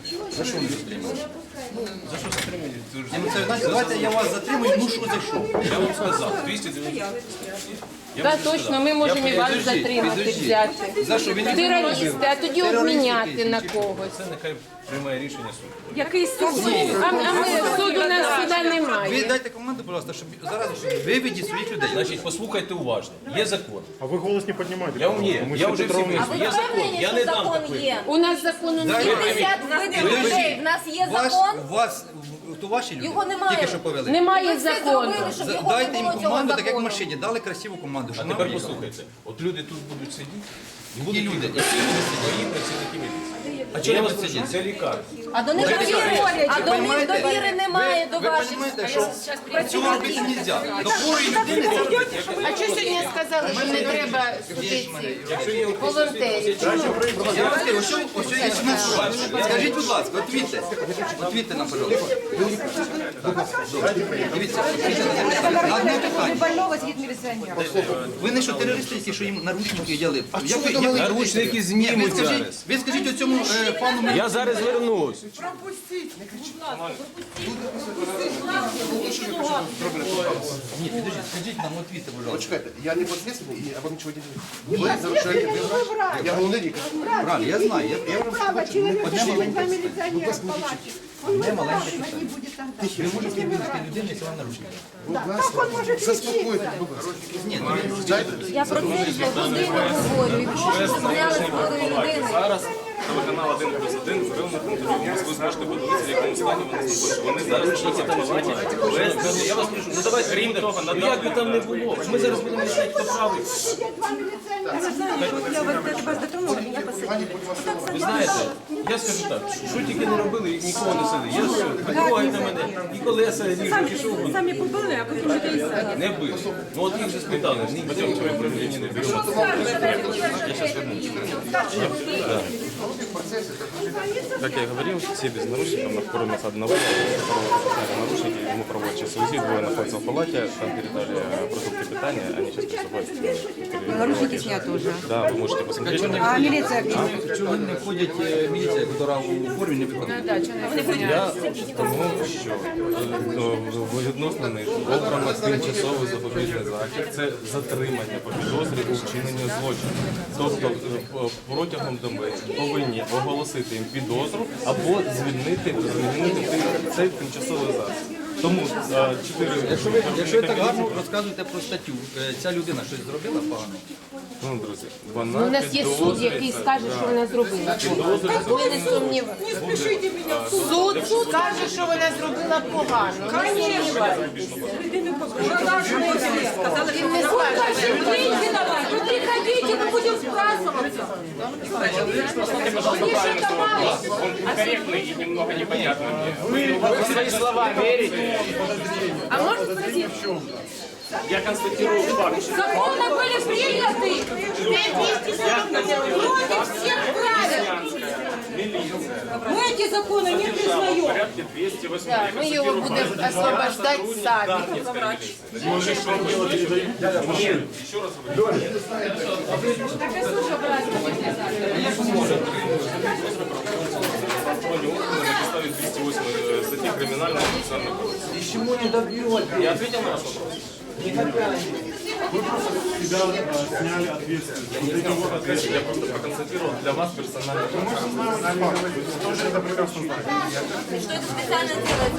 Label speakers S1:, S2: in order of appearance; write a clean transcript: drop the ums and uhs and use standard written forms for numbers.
S1: За що ви затримали?
S2: За що затримані?
S1: Давайте я вас затримую, ну що за що?
S2: Я вам сказав, 290.
S3: Так, точно, ми можемо і вас затримати, взяти.
S1: За що? Ви не
S3: Терористи, а тоді обміняти на когось.
S2: Це нехай приймає рішення суд.
S4: Який суд?
S3: А ми суду у нас сюди
S1: Ви
S3: немає.
S1: дайте команду, будь ласка, щоб зараз виведіть своїх людей.
S2: Значить, послухайте уважно. Є закон.
S5: А вы голос не поднимаете?
S2: Я вам є. Я вже всі вийшов. Є закон. Я не дам такої.
S3: У нас закону немає.
S4: 50 видів людей. В нас є закон.
S1: То ваші люди
S4: Його немає.
S1: тільки що повели.
S3: Немає
S4: Все
S3: закону.
S4: зробили, щоб його
S1: Дайте
S4: не
S1: їм
S4: було цього
S1: команду, так як в
S4: закону.
S1: машині. Дали красиву команду.
S2: А
S1: Що
S2: тепер
S1: нам
S2: послухайте. От люди тут будуть сидіти. І будуть
S1: люди?
S2: люди, які будуть свої працівники міліції.
S1: А чого
S2: Я
S1: не
S2: вас
S1: будуть
S2: прошу,
S1: сидіти?
S2: це лікар.
S4: А до них довіри немає до
S1: Ви
S4: ваших
S1: розумієте, що цього робити не можна. До хворої людини це робити.
S3: А чого сьогодні сказали, що не треба судити волонтерів?
S1: Я вам скажу, ось є 17 років. Скажіть, будь ласка, отвітьте нам, пожалуйста. Дивіться, на одне питання.
S4: больного згідно міліціонера.
S1: Ви не що терористи, які, що їм наручники одягли?
S2: Наручники знімуть зараз.
S1: Ви скажіть оцьому пану...
S2: Я зараз вернусь.
S1: Ні, підождіть, скажіть нам, отвітьте, будь ласка.
S6: Чекайте, я не подследственный, и я вам ничего не делаю. Вы нарушаете выбор. Я головний лікар.
S1: Правильно, я знаю. Я вам одне маленьке. Одне маленьке питання. Ви можете вивести людину, якщо вам наручники?
S6: Заспокойтесь, будь ласка.
S1: Ні, ну він...
S4: Я про це вже годину говорю. І прошу, щоб зняли з хворої людини.
S7: Зараз телеканал 1+1 зробив на контролю. Ви зможете подивитися, в якому стані вони знаходяться. Вони зараз
S2: Я вас прошу, ну давайте крім того, ну як би там не було. Ми зараз будемо рішати, хто правий. Ви знаєте, я скажу так, що тільки не робили, нікого не сидить. Я все, підтрогайте мене, і колеса ріжу, пішов.
S4: Самі побили, а потім вже і все.
S2: Не бив. Ну от їх вже спитали, ніхто в управлінні не беремо.
S7: Как я и говорил, все без наручников, на кроме одного, которого сняли наручники, ему проводят сейчас УЗИ, двое находятся в палате, там передали продукты питания, они сейчас приступают.
S4: Наручники снято уже.
S7: Да, вы можете посмотреть.
S4: А міліція
S1: Чого не входять міліція, яка у формі не виходить?
S7: Я тому, що відносно них обрано тимчасовий запобіжний захід, це затримання по підозрі у вчиненні злочину. Тобто протягом доби повинні оголосити їм підозру або звільнити цей тимчасовий засіб. Тому 4...
S1: Якщо ви так гарно розказуєте про статтю, ця людина щось зробила погано?
S7: Ну, друзі, вона
S3: У нас є суд, який скаже, що вона зробила. Ми не сумніваємося. Суд скаже, що вона зробила погано. Ми не сумніваємося. Він не скаже.
S4: Вы приходите, мы будем спрашиваться.
S7: Он некорректный и немного непонятный. Вы в свои слова верите?
S3: А можна спросити?
S7: Я констатирую факт.
S4: Законы были приняты. Против всех правил. Мы эти законы не
S7: В
S4: признаем.
S7: порядке 208.
S3: Так, ми його будемо освобождати самі.
S7: Нет, еще раз говорю. На підставі 208 статьи Криминального процессуального кодекса. Я ответил на ваш вопрос?
S5: Тебя сняли ответственность.
S7: Я просто проконстатировал для вас персонально.
S5: Тоже это прекрасно знаете.
S4: Что это специально делается